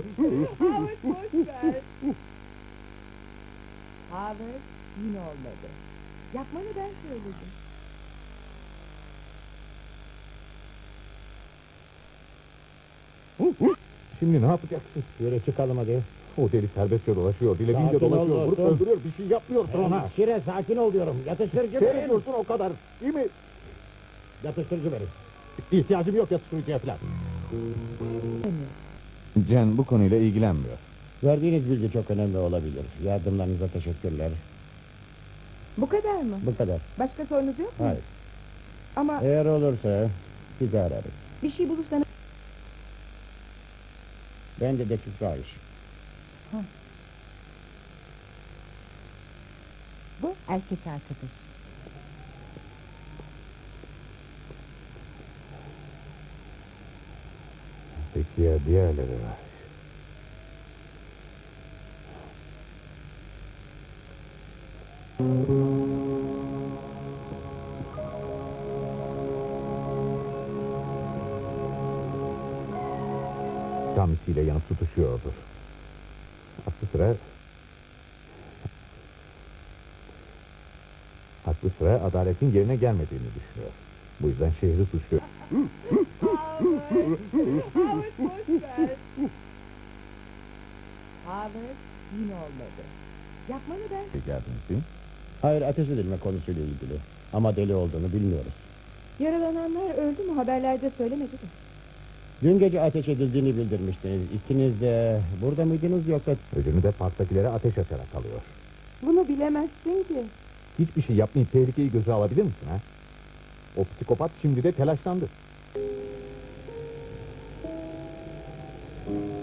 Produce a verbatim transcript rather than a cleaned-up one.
Howard boş ver. Howard yine olmadı. Yapmanı ben söyledim. Şimdi ne yapacaksın? Yürü çıkalım hadi. O deli serbestçe dolaşıyor, dilediğince Sakin ol dolaşıyor, vurup dostum. öldürüyor, bir şey yapmıyorsun ona. Şire sakin ol diyorum. Yatıştırıcı verin. Seyrediyorsun o kadar, değil mi? Yatıştırıcı verin. İhtiyacım yok yatıştırıcıya falan. Jen bu konuyla ilgilenmiyor. Verdiğiniz bilgi çok önemli olabilir. Yardımlarınıza teşekkürler. Bu kadar mı? Bu kadar. Başka sorunuz yok mu? Hayır. Ama Eğer olursa sizi ararız. bir şey bulursanız... Ben de dekif Rahiş. Bu erkek arkadaş. Peki ya diğerleri var? Kamisiyle yanıp tutuşuyordur. Aklı sıra... Aklı sıra adaletin yerine gelmediğini düşünüyor. Bu yüzden şehri suçluyor. Howard, Howard boş ver. Howard yine olmadı. Yapmanı ben... Geldiniz değil mi? Hayır, ateş edilme konusuyla ilgili. Ama deli olduğunu bilmiyoruz. Yaralananlar öldü mü haberlerde söylemedi de. Dün gece ateş edildiğini bildirmiştiniz. İkiniz de burada mıydınız yoksa... Ödünü de parktakilere ateş açarak alıyor. Bunu bilemezsin ki. Hiçbir şey yapmayıp tehlikeyi göze alabilir misin ha? O psikopat şimdi de telaşlandı.